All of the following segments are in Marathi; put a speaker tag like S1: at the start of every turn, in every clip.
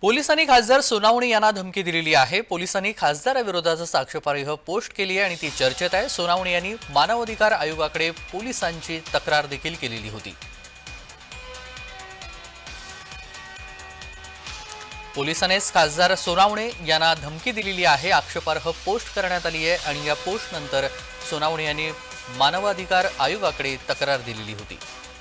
S1: पोलिसांनी खासदार सोनावणे यांना धमकी दिलेली आहे। पोलिसांनी खासदाराविरोधात साक्षेपार्ह पोस्ट केली आहे आणि ती चर्चेत आहे। सोनावणे यांनी मानवाधिकार आयोगाकडे पोलिसांची तक्रार देखील केलेली होती। पोलिसांनीच खासदार सोनावणे यांना धमकी दिलेली आहे। आक्षेपार्ह पोस्ट करण्यात आली आहे आणि या पोस्ट नंतर सोनावणे यांनी मानवाधिकार आयोगाकडे तक्रार दिलेली होती।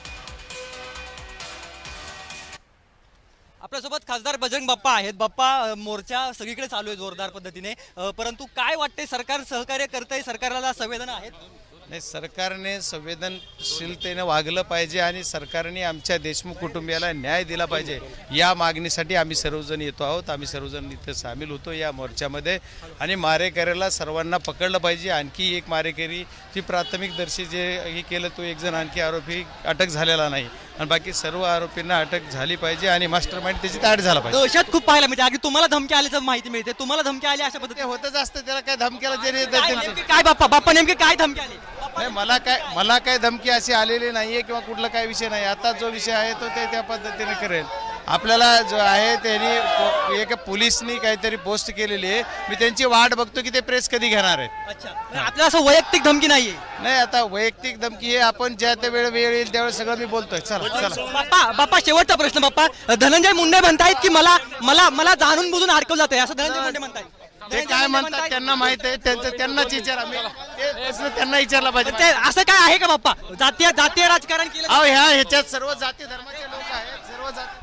S2: आपल्यासोबत खासदार बजरंग बाप्पा आहेत। बाप्पा, मोर्चा सगळीकडे चालू आहे जोरदार पद्धतीने, परंतु काय वाटते, सरकार सहकार्य करतंय, सरकारला संवेदना आहेत?
S3: नाही, सरकारने संवेदनशीलतेने वागलं पाहिजे आणि सरकारने आमच्या देशमुख कुटुंबियाला न्याय दिला पाहिजे या मागणीसाठी आम्ही सर्वजण येतो आहोत। आम्ही सर्वजण इथे सामील होतो या मोर्चामध्ये आणि मारेकऱ्याला सर्वांना पकडलं पाहिजे। आणखी एक मारेकरी जी प्राथमिकदर्शी जे हे केलं तो एक जण आणखी आरोपी अटक झालेला नाही आणि बाकी सर्व आरोपींना अटक झाली पाहिजे आणि मास्टरमाइंड त्याची ताट झाला पाहिजे।
S2: दहशत खूप पाहायला मिळते, अगदी तुम्हाला धमकी आल्याचं माहिती मिळते, तुम्हाला धमकी आली अशा
S3: ते
S2: पद्धतीने
S3: होतच असतं, त्याला काय धमक्याला देणे
S2: काय बाप्पा नेमके काय धमकी आली?
S3: नाही, मला काय धमकी अशी आलेली नाहीये किंवा कुठला काय विषय नाही। आता जो विषय आहे तो ते त्या पद्धतीने करेल। आपल्याला जो आहे त्यांनी एक पोलिसनी काहीतरी पोस्ट केलेली आहे, मी त्यांची वाट बघतो की ते प्रेस कधी घेणार आहेत।
S2: अच्छा, आपल्याला असं वैयक्तिक धमकी नाहीये?
S3: नाही, आता वैयक्तिक धमकी हे आपण ज्या त्या वेळ येईल त्यावेळेस सगळं मी बोलतोय। चला
S2: बाप्पा शेवटचा प्रश्न बाप्पा, धनंजय मुंडे म्हणतायत की मला जाणून बुजून अडकवलं जातंय, असं धनंजय मुंडे म्हणतायत।
S3: ते काय म्हणतात त्यांना माहित आहे, त्यांनाच विचारा, ते प्रश्न त्यांना विचारला पाहिजे।
S2: ते असं काय आहे का बाप्पा, जातीय राजकारण केलं?
S3: ह्याच्यात सर्व जाती धर्माचे लोक आहेत, सर्व जाती